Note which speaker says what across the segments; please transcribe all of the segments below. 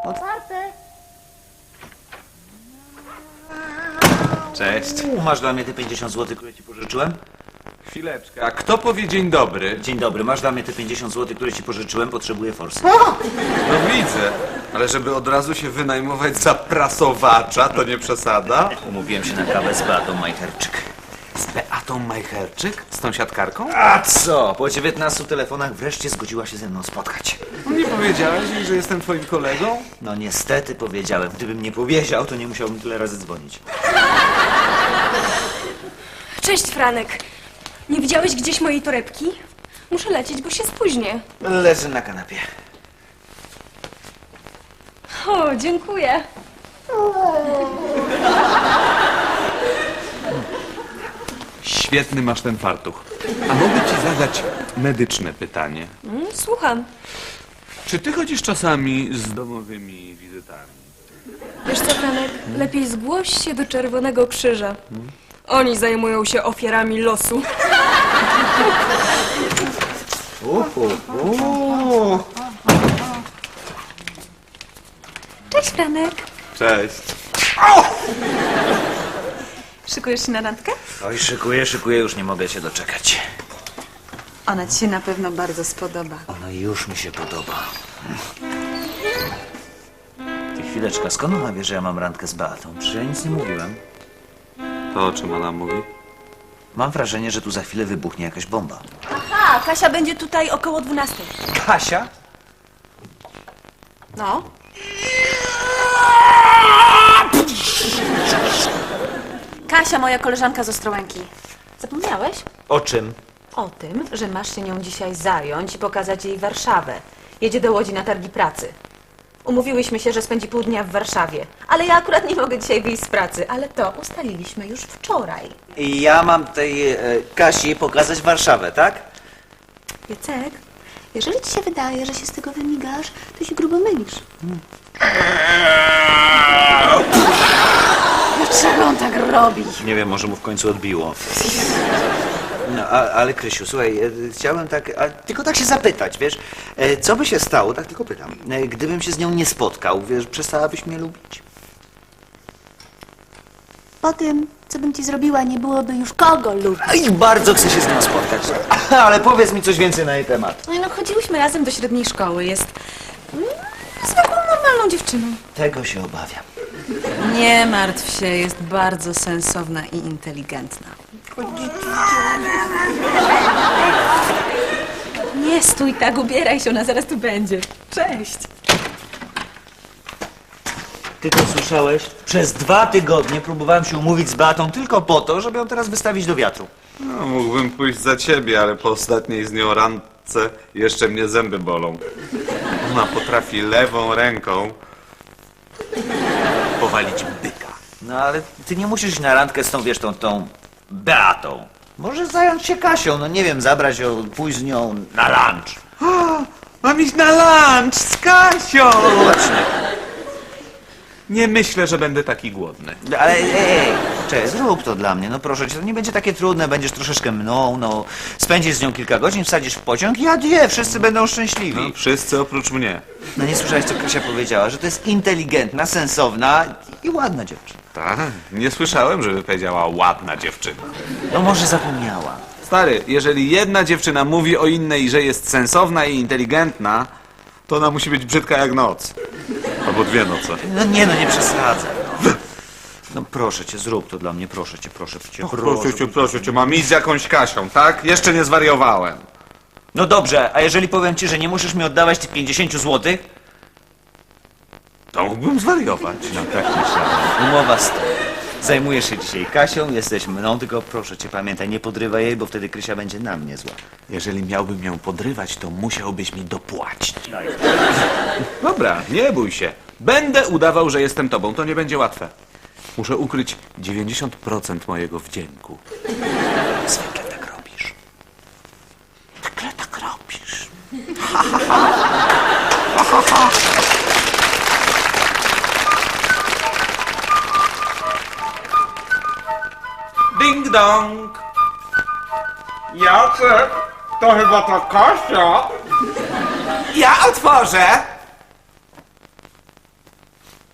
Speaker 1: Otwarte.
Speaker 2: Cześć.
Speaker 1: Masz dla mnie te 50 zł, które ci pożyczyłem?
Speaker 2: Chwileczkę, a kto powie dzień dobry?
Speaker 1: Dzień dobry, masz dla mnie te 50 zł, które ci pożyczyłem? Potrzebuję forsy.
Speaker 2: No widzę, ale żeby od razu się wynajmować za prasowacza, to nie przesada?
Speaker 1: Umówiłem się na kawę z Beatą Majcherczyk.
Speaker 2: Z Beatą Majcherczyk? Z tą siatkarką?
Speaker 1: A co? Po 19 telefonach wreszcie zgodziła się ze mną spotkać.
Speaker 2: No nie powiedziałeś jej, że jestem twoim kolegą?
Speaker 1: No niestety powiedziałem. Gdybym nie powiedział, to nie musiałbym tyle razy dzwonić.
Speaker 3: Cześć, Franek. Nie widziałeś gdzieś mojej torebki? Muszę lecieć, bo się spóźnię.
Speaker 1: Leżę na kanapie.
Speaker 3: O, dziękuję.
Speaker 2: Świetny masz ten fartuch. A mogę ci zadać medyczne pytanie.
Speaker 3: Słucham.
Speaker 2: Czy ty chodzisz czasami z domowymi wizytami?
Speaker 3: Wiesz co, Franek? Lepiej zgłoś się do Czerwonego Krzyża. Oni zajmują się ofiarami losu.
Speaker 4: Cześć, Franek.
Speaker 2: Cześć.
Speaker 4: Szykujesz się na randkę?
Speaker 1: Oj, szykuję, już nie mogę się doczekać.
Speaker 4: Ona ci się na pewno bardzo spodoba.
Speaker 1: Ona już mi się podoba. Ty, chwileczka, skąd ona wie, że ja mam randkę z Beatą? Przecież ja nic nie mówiłem.
Speaker 2: To o czym ona mówi?
Speaker 1: Mam wrażenie, że tu za chwilę wybuchnie jakaś bomba.
Speaker 3: Aha, Kasia będzie tutaj około 12.
Speaker 1: Kasia?
Speaker 4: No. Kasia, moja koleżanka z Ostrołęki. Zapomniałeś?
Speaker 1: O czym?
Speaker 4: O tym, że masz się nią dzisiaj zająć i pokazać jej Warszawę. Jedzie do Łodzi na targi pracy. Umówiłyśmy się, że spędzi pół dnia w Warszawie. Ale ja akurat nie mogę dzisiaj wyjść z pracy. Ale to ustaliliśmy już wczoraj.
Speaker 1: I ja mam tej Kasi pokazać Warszawę, tak?
Speaker 5: Jacek, jeżeli ci się wydaje, że się z tego wymigasz, to się grubo mylisz.
Speaker 4: Dlaczego on tak robi?
Speaker 1: Nie wiem, może mu w końcu odbiło. No, ale Krysiu, słuchaj, chciałem tak, tylko tak się zapytać, wiesz, co by się stało, tak tylko pytam, gdybym się z nią nie spotkał, wiesz, przestałabyś mnie lubić?
Speaker 5: Po tym, co bym ci zrobiła, nie byłoby już kogo lubić.
Speaker 1: I bardzo chcę się z nią spotkać, ale powiedz mi coś więcej na jej temat.
Speaker 4: No chodziłyśmy razem do średniej szkoły. Jest zwykłą, normalną dziewczyną.
Speaker 1: Tego się obawiam.
Speaker 4: Nie martw się, jest bardzo sensowna i inteligentna. Nie stój tak, ubieraj się, ona zaraz tu będzie. Cześć.
Speaker 1: Ty to słyszałeś? Przez 2 tygodnie próbowałem się umówić z Beatą tylko po to, żeby ją teraz wystawić do wiatru.
Speaker 2: No, mógłbym pójść za ciebie, ale po ostatniej z nią randce jeszcze mnie zęby bolą. Ona potrafi lewą ręką powalić byka.
Speaker 1: No ale ty nie musisz iść na randkę z tą, wiesz, tą Beatą. Możesz zająć się Kasią, no nie wiem, zabrać ją, pójść z nią na lunch.
Speaker 2: Mam iść na lunch z Kasią!
Speaker 1: Właśnie.
Speaker 2: Nie myślę, że będę taki głodny.
Speaker 1: Ale cześć, zrób to dla mnie, no proszę cię, to nie będzie takie trudne, będziesz troszeczkę mną, no. Spędzisz z nią kilka godzin, wsadzisz w pociąg i adieu, wszyscy będą szczęśliwi.
Speaker 2: No, wszyscy oprócz mnie.
Speaker 1: No nie słyszałeś, co Kasia powiedziała, że to jest inteligentna, sensowna i ładna dziewczyna.
Speaker 2: Tak, nie słyszałem, żeby powiedziała ładna dziewczyna.
Speaker 1: No może zapomniała.
Speaker 2: Stary, jeżeli jedna dziewczyna mówi o innej, że jest sensowna i inteligentna, to ona musi być brzydka jak noc. Albo 2 noce.
Speaker 1: No nie przesadzaj. No. No proszę cię, zrób to dla mnie, proszę cię.
Speaker 2: Proszę cię, mam iść z jakąś Kasią, tak? Jeszcze nie zwariowałem.
Speaker 1: No dobrze, a jeżeli powiem ci, że nie musisz mi oddawać tych 50 zł?
Speaker 2: To mógłbym zwariować.
Speaker 1: No tak myślałem. Umowa z tym. Zajmujesz się dzisiaj Kasią, jesteś mną, tylko proszę cię, pamiętaj, nie podrywaj jej, bo wtedy Krysia będzie na mnie zła.
Speaker 2: Jeżeli miałbym ją podrywać, to musiałbyś mi dopłacić. Dobra, nie bój się. Będę udawał, że jestem tobą. To nie będzie łatwe. Muszę ukryć 90% mojego wdzięku.
Speaker 1: Zwykle tak robisz. Zwykle tak robisz.
Speaker 2: Ding dong! Jacek, to chyba ta Kasia.
Speaker 1: Ja otworzę!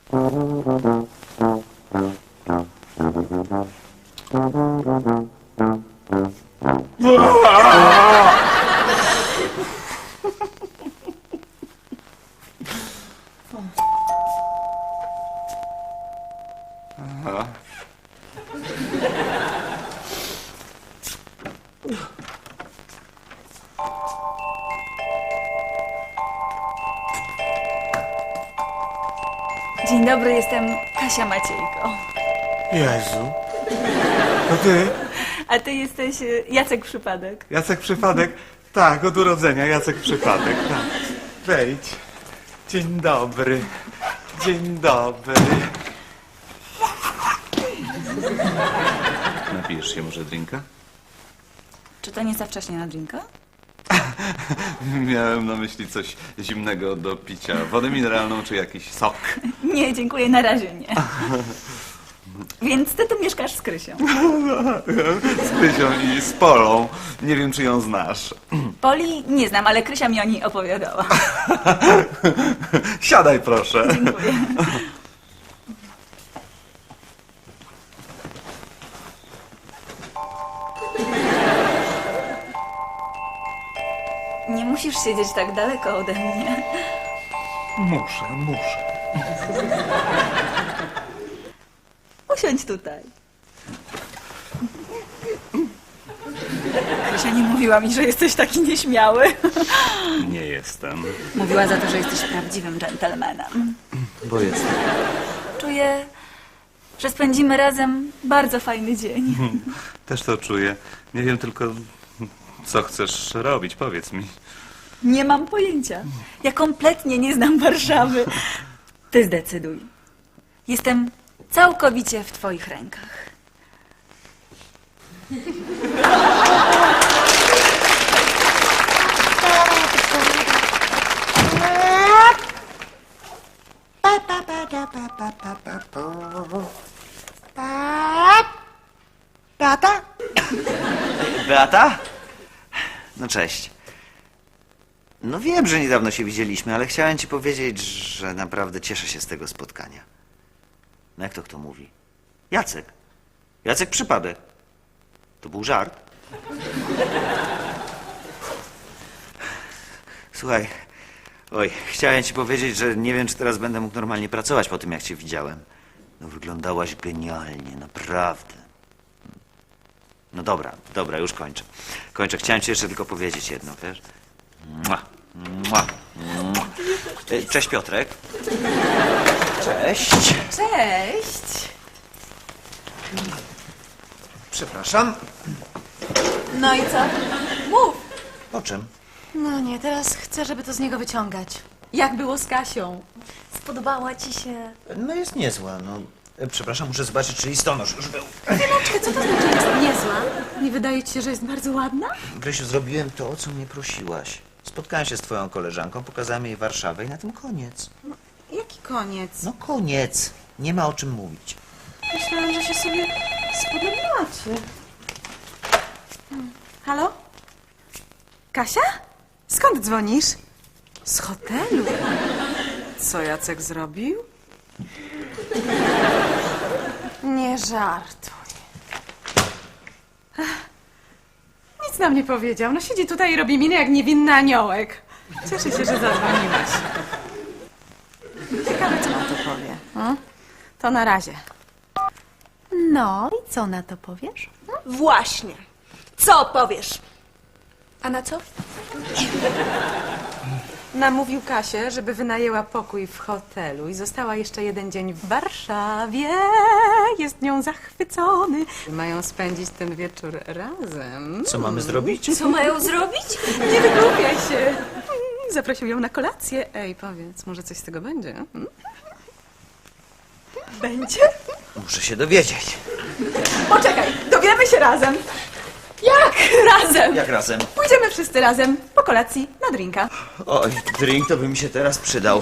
Speaker 6: Dzień dobry, jestem Kasia Maciejko.
Speaker 7: Jezu. To ty?
Speaker 6: A ty jesteś Jacek Przypadek.
Speaker 7: Jacek Przypadek? Tak, od urodzenia Jacek Przypadek, tak. Wejdź. Dzień dobry. Dzień dobry.
Speaker 2: Napijesz się może drinka?
Speaker 6: Czy to nie za wcześnie na drinka?
Speaker 2: Miałem na myśli coś zimnego do picia. Wodę mineralną czy jakiś sok.
Speaker 6: Nie, dziękuję, na razie nie. Więc ty tu mieszkasz z Krysią.
Speaker 2: Z Krysią i z Polą. Nie wiem, czy ją znasz.
Speaker 6: Poli nie znam, ale Krysia mi o niej opowiadała.
Speaker 2: Siadaj proszę.
Speaker 6: Dziękuję. Nie musisz siedzieć tak daleko ode mnie.
Speaker 7: Muszę.
Speaker 6: Usiądź tutaj. Krysia nie mówiła mi, że jesteś taki nieśmiały.
Speaker 2: Nie jestem.
Speaker 6: Mówiła za to, że jesteś prawdziwym dżentelmenem.
Speaker 1: Bo jestem.
Speaker 6: Czuję, że spędzimy razem bardzo fajny dzień.
Speaker 2: Też to czuję. Nie wiem tylko, co chcesz robić. Powiedz mi.
Speaker 6: Nie mam pojęcia. Ja kompletnie nie znam Warszawy. Ty zdecyduj. Jestem całkowicie w twoich rękach.
Speaker 1: Beata? No cześć. No wiem, że niedawno się widzieliśmy, ale chciałem ci powiedzieć, że naprawdę cieszę się z tego spotkania. No jak to kto mówi? Jacek. Jacek Przypadek. To był żart. Słuchaj, oj, chciałem ci powiedzieć, że nie wiem, czy teraz będę mógł normalnie pracować po tym, jak cię widziałem. No wyglądałaś genialnie, naprawdę. No dobra, już kończę. Chciałem ci jeszcze tylko powiedzieć jedno, wiesz? Mua, mua, mua. Cześć Piotrek. Cześć.
Speaker 4: Cześć!
Speaker 1: Przepraszam.
Speaker 4: No i co? Mów!
Speaker 1: O czym?
Speaker 4: No nie, teraz chcę, żeby to z niego wyciągać. Jak było z Kasią? Spodobała ci się?
Speaker 1: No jest niezła, no. Przepraszam, muszę zobaczyć, czy listonosz już był.
Speaker 4: Chwileczkę, co to znaczy jest niezła? Nie wydaje ci się, że jest bardzo ładna?
Speaker 1: Grysiu, zrobiłem to, o co mnie prosiłaś. Spotkałem się z twoją koleżanką, pokazałem jej Warszawę i na tym koniec.
Speaker 4: Jaki koniec?
Speaker 1: No koniec. Nie ma o czym mówić.
Speaker 4: Myślałam, że się sobie spodobacie. Halo? Kasia? Skąd dzwonisz? Z hotelu. Co Jacek zrobił? Nie żartuj. Nic nam nie powiedział. No siedzi tutaj i robi minę jak niewinny aniołek. Cieszę się, że zadzwoniłaś. Ciekawe, co na to powie. To na razie. No i co na to powiesz?
Speaker 3: Właśnie. Co powiesz? A na co?
Speaker 4: Namówił Kasię, żeby wynajęła pokój w hotelu i została jeszcze jeden dzień w Warszawie. Jest nią zachwycony. Mają spędzić ten wieczór razem.
Speaker 1: Co mamy zrobić?
Speaker 3: Co mają zrobić?
Speaker 4: Nie wygłupiaj się. Zaprosił ją na kolację. Ej, powiedz, może coś z tego będzie?
Speaker 3: Będzie?
Speaker 1: Muszę się dowiedzieć.
Speaker 4: Poczekaj, dowiemy się razem.
Speaker 3: Jak razem?
Speaker 1: Jak razem?
Speaker 4: Pójdziemy wszyscy razem po kolacji na drinka.
Speaker 1: Oj, drink to by mi się teraz przydał.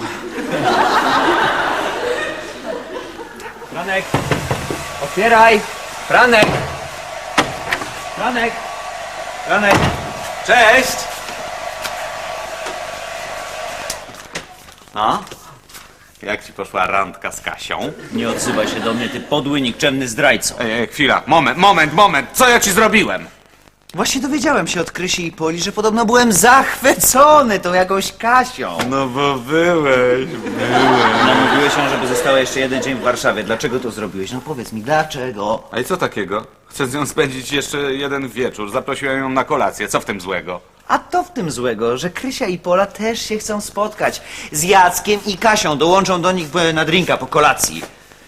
Speaker 8: Franek! Otwieraj! Franek! Franek! Franek! Cześć!
Speaker 1: No?
Speaker 2: Jak ci poszła randka z Kasią?
Speaker 1: Nie odzywaj się do mnie, ty podły, nikczemny zdrajco.
Speaker 2: Ej, chwila, moment. Co ja ci zrobiłem?
Speaker 1: Właśnie dowiedziałem się od Krysi i Poli, że podobno byłem zachwycony tą jakąś Kasią.
Speaker 7: No bo byłeś.
Speaker 1: Namówiłeś ją, żeby została jeszcze jeden dzień w Warszawie. Dlaczego to zrobiłeś? No powiedz mi, dlaczego?
Speaker 2: A i co takiego? Chcę z nią spędzić jeszcze jeden wieczór. Zaprosiłem ją na kolację. Co w tym złego?
Speaker 1: A to w tym złego, że Krysia i Pola też się chcą spotkać. Z Jackiem i Kasią. Dołączą do nich na drinka po kolacji.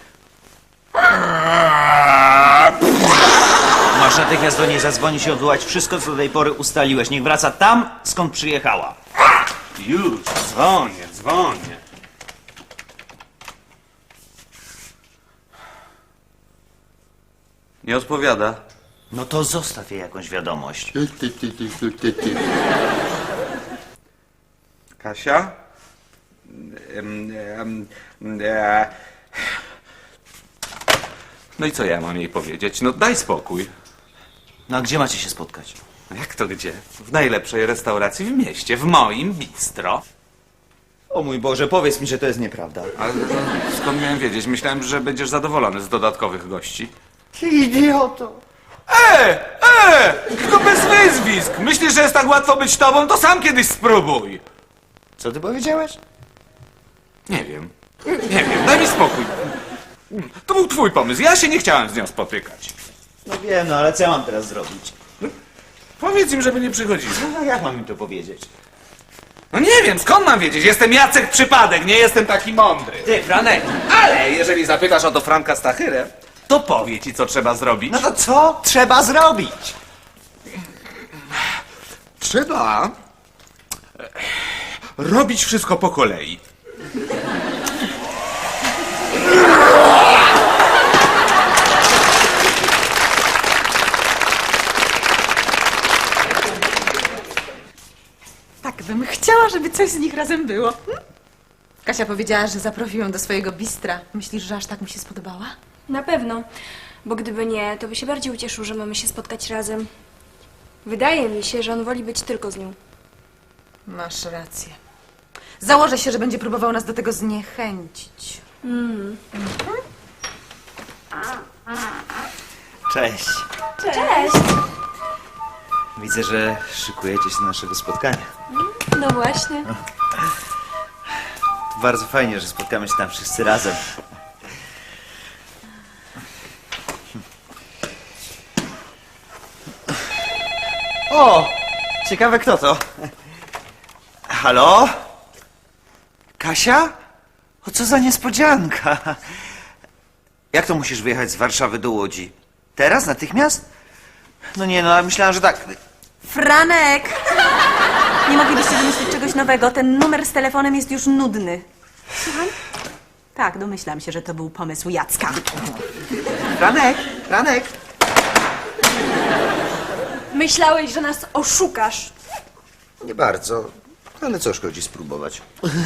Speaker 1: Masz natychmiast do niej zadzwonić i odwołać wszystko, co do tej pory ustaliłeś. Niech wraca tam, skąd przyjechała.
Speaker 2: Już, dzwonię. Nie odpowiada.
Speaker 1: No to zostaw jej jakąś wiadomość.
Speaker 2: Kasia? No i co ja mam jej powiedzieć? No daj spokój.
Speaker 1: No a gdzie macie się spotkać?
Speaker 2: No jak to gdzie? W najlepszej restauracji w mieście, w moim bistro.
Speaker 1: O mój Boże, powiedz mi, że to jest nieprawda.
Speaker 2: Ale skąd miałem wiedzieć? Myślałem, że będziesz zadowolony z dodatkowych gości.
Speaker 1: Ty idioto.
Speaker 2: Tylko bez wyzwisk! Myślisz, że jest tak łatwo być tobą? To sam kiedyś spróbuj!
Speaker 1: Co ty powiedziałeś?
Speaker 2: Nie wiem, daj mi spokój. To był twój pomysł, ja się nie chciałem z nią spotykać.
Speaker 1: No wiem, no ale co ja mam teraz zrobić?
Speaker 2: Powiedz im, żeby nie przychodzili.
Speaker 1: No jak mam im to powiedzieć?
Speaker 2: No nie wiem, skąd mam wiedzieć? Jestem Jacek Przypadek, nie jestem taki mądry.
Speaker 1: Ty, Franek!
Speaker 2: Ale jeżeli zapytasz o to Franka Stachyrę, to powie ci, co trzeba zrobić.
Speaker 1: No to co trzeba zrobić?
Speaker 2: Trzeba robić wszystko po kolei.
Speaker 4: Tak bym chciała, żeby coś z nich razem było. Kasia powiedziała, że zaprosi ją do swojego bistra. Myślisz, że aż tak mu się spodobała?
Speaker 3: Na pewno, bo gdyby nie, to by się bardziej ucieszył, że mamy się spotkać razem. Wydaje mi się, że on woli być tylko z nią.
Speaker 4: Masz rację. Założę się, że będzie próbował nas do tego zniechęcić.
Speaker 1: Cześć.
Speaker 3: Cześć!
Speaker 1: Widzę, że szykujecie się do naszego spotkania.
Speaker 3: No właśnie.
Speaker 1: Bardzo fajnie, że spotkamy się tam wszyscy razem. O! Ciekawe kto to. Halo? Kasia? O, co za niespodzianka. Jak to musisz wyjechać z Warszawy do Łodzi? Teraz? Natychmiast? No nie, no, myślałam, że tak.
Speaker 4: Franek! Nie moglibyście wymyślić czegoś nowego. Ten numer z telefonem jest już nudny. Słucham? Tak, domyślam się, że to był pomysł Jacka.
Speaker 1: Franek!
Speaker 3: Myślałeś, że nas oszukasz.
Speaker 1: Nie bardzo, ale co szkodzi spróbować.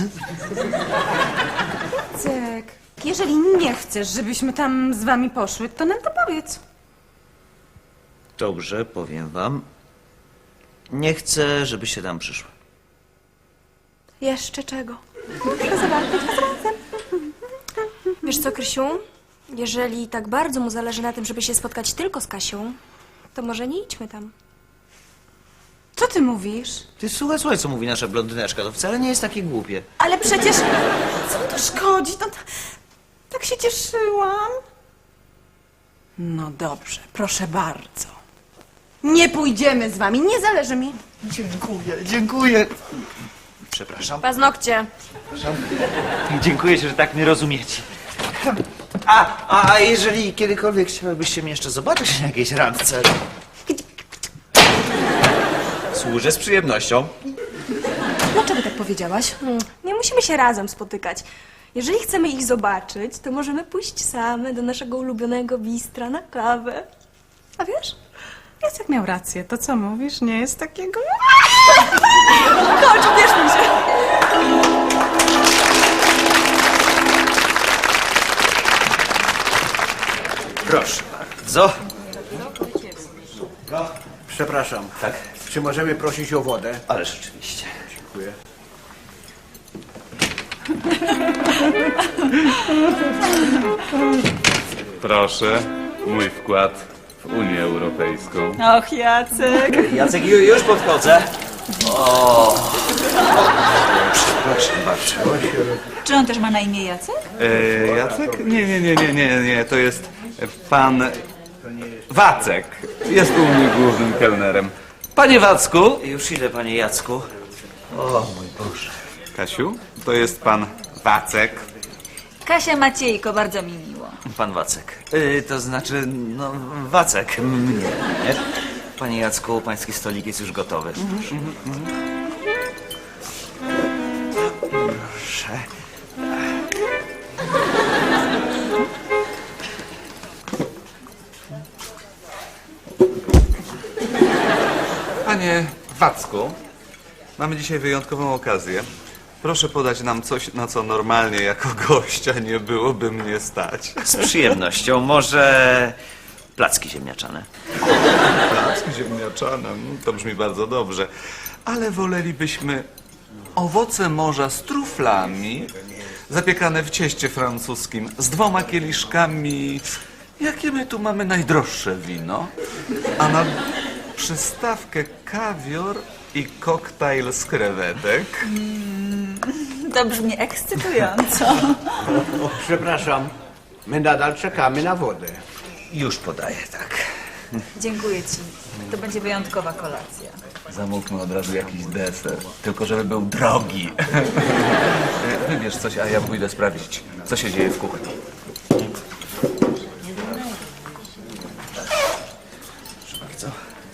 Speaker 4: Cek, jeżeli nie chcesz, żebyśmy tam z wami poszły, to nam to powiedz.
Speaker 1: Dobrze, powiem wam. Nie chcę, żebyście tam przyszły.
Speaker 3: Jeszcze czego?
Speaker 4: Proszę zobaczyć was razem.
Speaker 3: Wiesz co, Krysiu? Jeżeli tak bardzo mu zależy na tym, żeby się spotkać tylko z Kasią, to może nie idźmy tam.
Speaker 4: Co ty mówisz?
Speaker 1: Ty słuchaj, co mówi nasza blondyneczka. To wcale nie jest takie głupie.
Speaker 4: Ale przecież... Co to szkodzi? No, tak się cieszyłam. No dobrze, proszę bardzo. Nie pójdziemy z wami, nie zależy mi.
Speaker 1: Dziękuję. Przepraszam.
Speaker 3: Paznokcie.
Speaker 1: Dziękuję, że tak mnie rozumiecie. A jeżeli kiedykolwiek chciałybyście mnie jeszcze zobaczyć na jakiejś randce? Służę z przyjemnością.
Speaker 4: Dlaczego tak powiedziałaś?
Speaker 3: Nie musimy się razem spotykać. Jeżeli chcemy ich zobaczyć, to możemy pójść same do naszego ulubionego bistra na kawę. A wiesz?
Speaker 4: Jacek miał rację. To co mówisz, nie jest takiego...
Speaker 3: Chodź, ubierzmy się.
Speaker 1: Proszę bardzo.
Speaker 9: Przepraszam. Tak? Czy możemy prosić o wodę?
Speaker 1: Ale rzeczywiście.
Speaker 9: Dziękuję.
Speaker 2: Proszę, mój wkład w Unię Europejską.
Speaker 6: Och, Jacek.
Speaker 1: Jacek, już podchodzę. Przepraszam bardzo.
Speaker 6: Czy on też ma na imię Jacek?
Speaker 2: Jacek? Nie, to jest pan Wacek. Jest u mnie głównym kelnerem. Panie Wacku!
Speaker 1: Już idę, panie Jacku. O mój Boże.
Speaker 2: Kasiu, to jest pan Wacek.
Speaker 6: Kasia Maciejko, bardzo mi miło.
Speaker 1: Pan Wacek. To znaczy, no, Wacek mnie, nie? Panie Jacku, pański stolik jest już gotowy. Proszę.
Speaker 2: Panie Wacku, mamy dzisiaj wyjątkową okazję. Proszę podać nam coś, na co normalnie jako gościa nie byłoby mnie stać.
Speaker 1: Z przyjemnością. Może placki ziemniaczane.
Speaker 2: Placki ziemniaczane, to brzmi bardzo dobrze. Ale wolelibyśmy owoce morza z truflami, zapiekane w cieście francuskim, z 2 kieliszkami. Jakie my tu mamy najdroższe wino? A na przystawkę kawior i koktajl z krewetek.
Speaker 6: To brzmi ekscytująco.
Speaker 9: Przepraszam, my nadal czekamy na wodę.
Speaker 1: Już podaję, tak.
Speaker 6: Dziękuję ci. To będzie wyjątkowa kolacja.
Speaker 2: Zamówmy od razu jakiś deser, tylko żeby był drogi. Wybierz coś, a ja pójdę sprawdzić, co się dzieje w kuchni.
Speaker 1: Proszę bardzo.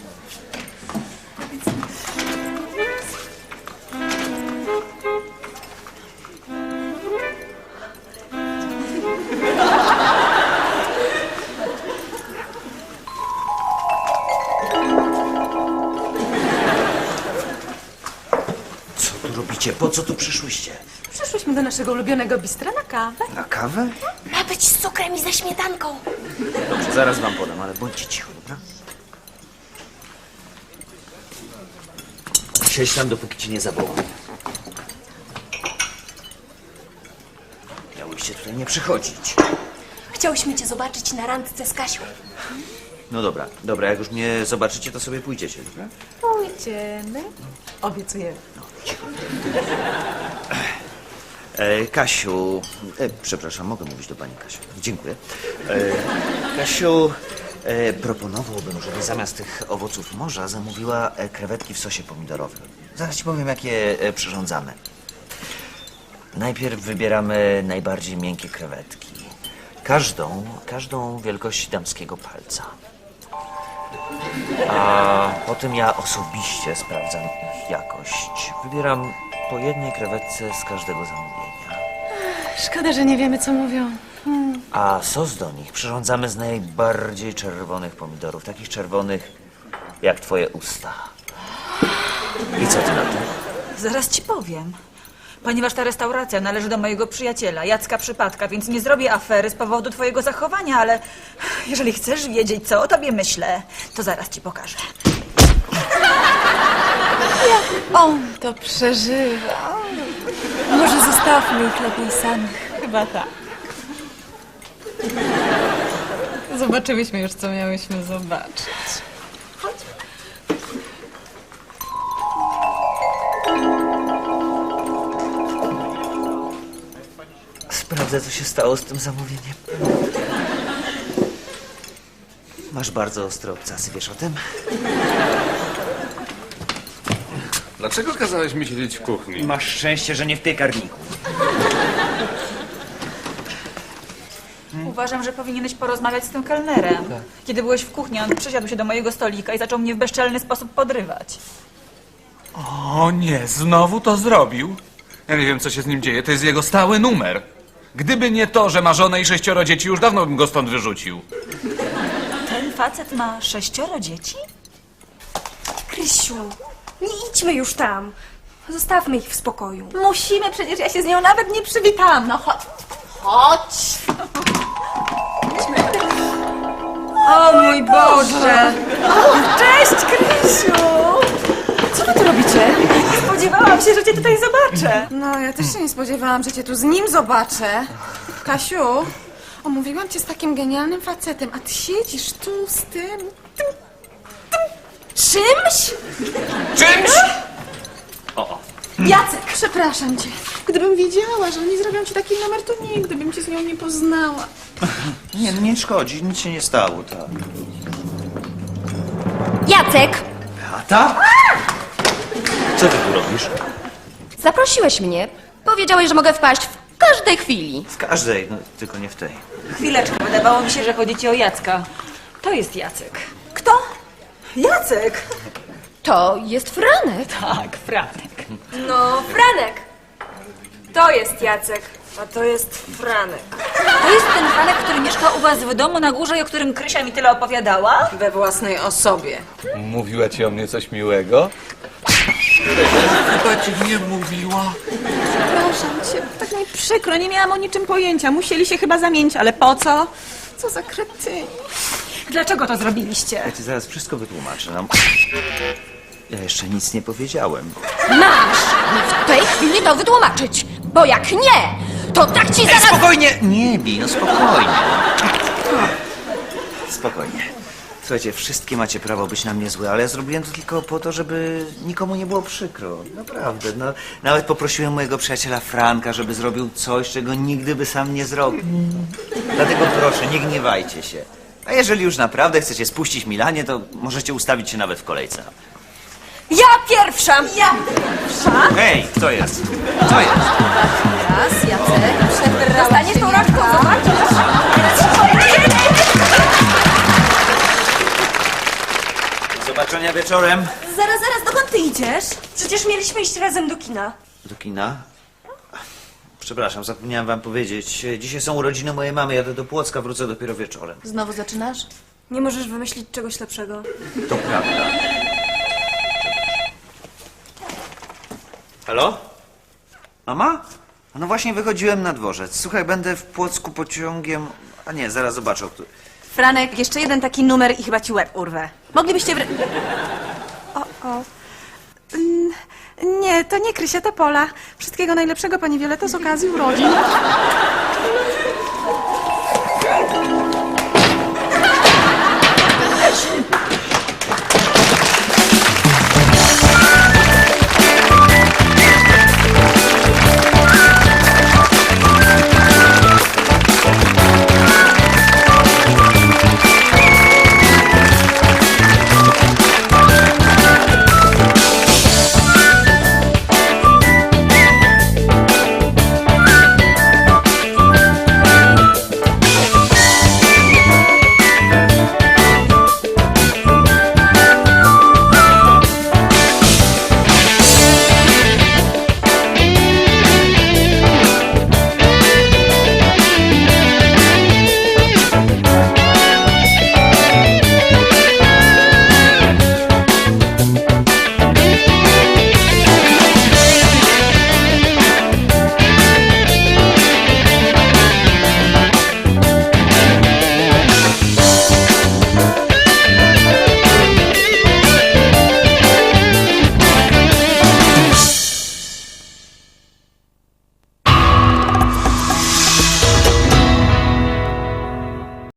Speaker 1: Co tu robicie? Po co tu przyszłyście?
Speaker 4: Przyszłyśmy do naszego ulubionego bistra na kawę.
Speaker 1: Na kawę?
Speaker 3: Ma być z cukrem i ze śmietanką.
Speaker 1: Dobrze, zaraz wam podam, ale bądźcie cicho, dobra? Siedź tam, dopóki ci nie zawołam. Miałyście tutaj nie przychodzić.
Speaker 3: Chciałyśmy cię zobaczyć na randce z Kasią.
Speaker 1: No dobra, jak już mnie zobaczycie, to sobie pójdziecie, dobra?
Speaker 4: Pójdziemy. Obiecujemy.
Speaker 1: Kasiu, przepraszam, mogę mówić do pani Kasiu. Dziękuję. Kasiu, proponowałbym, żeby zamiast tych owoców morza zamówiła krewetki w sosie pomidorowym. Zaraz ci powiem, jak je przyrządzamy. Najpierw wybieramy najbardziej miękkie krewetki. Każdą wielkości damskiego palca. A potem ja osobiście sprawdzam ich jakość. Wybieram po jednej krewetce z każdego zamówienia.
Speaker 4: Szkoda, że nie wiemy, co mówią.
Speaker 1: A sos do nich przyrządzamy z najbardziej czerwonych pomidorów. Takich czerwonych jak twoje usta. I co ty na to?
Speaker 6: Zaraz ci powiem. Ponieważ ta restauracja należy do mojego przyjaciela, Jacka Przypadka, więc nie zrobię afery z powodu twojego zachowania, ale jeżeli chcesz wiedzieć, co o tobie myślę, to zaraz ci pokażę.
Speaker 4: On to przeżywa.
Speaker 3: Może zostawmy ich lepiej samych.
Speaker 6: Chyba tak.
Speaker 4: Zobaczyłyśmy już, co miałyśmy zobaczyć.
Speaker 1: Sprawdzę, co się stało z tym zamówieniem. Masz bardzo ostre obcasy, wiesz o tym?
Speaker 2: Dlaczego kazałeś mi siedzieć w kuchni?
Speaker 1: Masz szczęście, że nie w piekarniku.
Speaker 6: Uważam, że powinieneś porozmawiać z tym kelnerem. Kiedy byłeś w kuchni, on przysiadł się do mojego stolika i zaczął mnie w bezczelny sposób podrywać.
Speaker 2: O nie, znowu to zrobił? Ja nie wiem, co się z nim dzieje, to jest jego stały numer. Gdyby nie to, że ma żonę i 6 dzieci, już dawno bym go stąd wyrzucił.
Speaker 6: Ten facet ma 6 dzieci?
Speaker 3: Krysiu, nie idźmy już tam. Zostawmy ich w spokoju.
Speaker 4: Musimy, przecież ja się z nią nawet nie przywitałam. No chodź. Chodź.
Speaker 3: O mój Boże!
Speaker 6: Cześć, Krysiu!
Speaker 3: Co wy tu robicie?
Speaker 6: spodziewałam się, że cię tutaj zobaczę.
Speaker 10: No, ja też się nie spodziewałam, że cię tu z nim zobaczę. Kasiu, omówiłam cię z takim genialnym facetem, a ty siedzisz tu z tym czymś?
Speaker 2: Czymś?
Speaker 10: Jacek, przepraszam cię. Gdybym wiedziała, że oni zrobią ci taki numer, to nigdy bym cię z nią nie poznała.
Speaker 1: Nie, no nie szkodzi, nic się nie stało, tak.
Speaker 11: Jacek,
Speaker 1: Beata? Co ty tu robisz?
Speaker 11: zaprosiłeś mnie. Powiedziałeś, że mogę wpaść w każdej chwili.
Speaker 1: W każdej, no tylko nie w tej.
Speaker 6: Chwileczkę, wydawało mi się, że chodzi ci o Jacka. To jest Jacek.
Speaker 3: Kto?
Speaker 6: Jacek!
Speaker 11: To jest Franek.
Speaker 6: Tak, Franek.
Speaker 3: No, Franek. To jest Jacek, a to jest Franek.
Speaker 6: To jest ten Franek, który mieszka u was w domu na górze i o którym Krysia mi tyle opowiadała?
Speaker 10: We własnej osobie.
Speaker 8: Mówiła ci o mnie coś miłego?
Speaker 7: Chyba ci nie mówiła.
Speaker 10: Przepraszam cię.
Speaker 6: Tak mi przykro, nie miałam o niczym pojęcia. Musieli się chyba zamienić, ale po co?
Speaker 10: Co za kretyni.
Speaker 6: Dlaczego to zrobiliście?
Speaker 1: Ja ci zaraz wszystko wytłumaczę. No. Ja jeszcze nic nie powiedziałem.
Speaker 11: Masz w tej chwili to wytłumaczyć, bo jak nie, to tak ci zaraz...
Speaker 1: Spokojnie! Nie bij, no spokojnie. Spokojnie. Słuchajcie, wszystkie macie prawo być na mnie złe, ale ja zrobiłem to tylko po to, żeby nikomu nie było przykro. Naprawdę, no. Nawet poprosiłem mojego przyjaciela Franka, żeby zrobił coś, czego nigdy by sam nie zrobił. Dlatego proszę, nie gniewajcie się. A jeżeli już naprawdę chcecie spuścić Milanie, to możecie ustawić się nawet w kolejce.
Speaker 3: Ja pierwsza! Ja!
Speaker 1: Hej, kto jest? Co jest?
Speaker 11: Raz, Jacek, przebrała
Speaker 3: Dostaniesz
Speaker 11: się
Speaker 3: tą rączką,
Speaker 11: Janka.
Speaker 3: zobaczysz!
Speaker 1: Do zobaczenia wieczorem.
Speaker 3: Zaraz, dokąd ty idziesz? Przecież mieliśmy iść razem do kina.
Speaker 1: Do kina? Przepraszam, zapomniałem wam powiedzieć. Dzisiaj są urodziny mojej mamy, jadę do Płocka, wrócę dopiero wieczorem.
Speaker 10: Znowu zaczynasz?
Speaker 3: Nie możesz wymyślić czegoś lepszego.
Speaker 1: To prawda. Halo? Mama? A no właśnie wychodziłem na dworzec. Słuchaj, będę w Płocku pociągiem... A nie, zaraz zobaczę, o który...
Speaker 6: Franek, jeszcze jeden taki numer i chyba ci łeb urwę. Moglibyście...
Speaker 10: Nie, to nie Krysia, to Pola. Wszystkiego najlepszego, pani Wioleto, z okazji urodzin.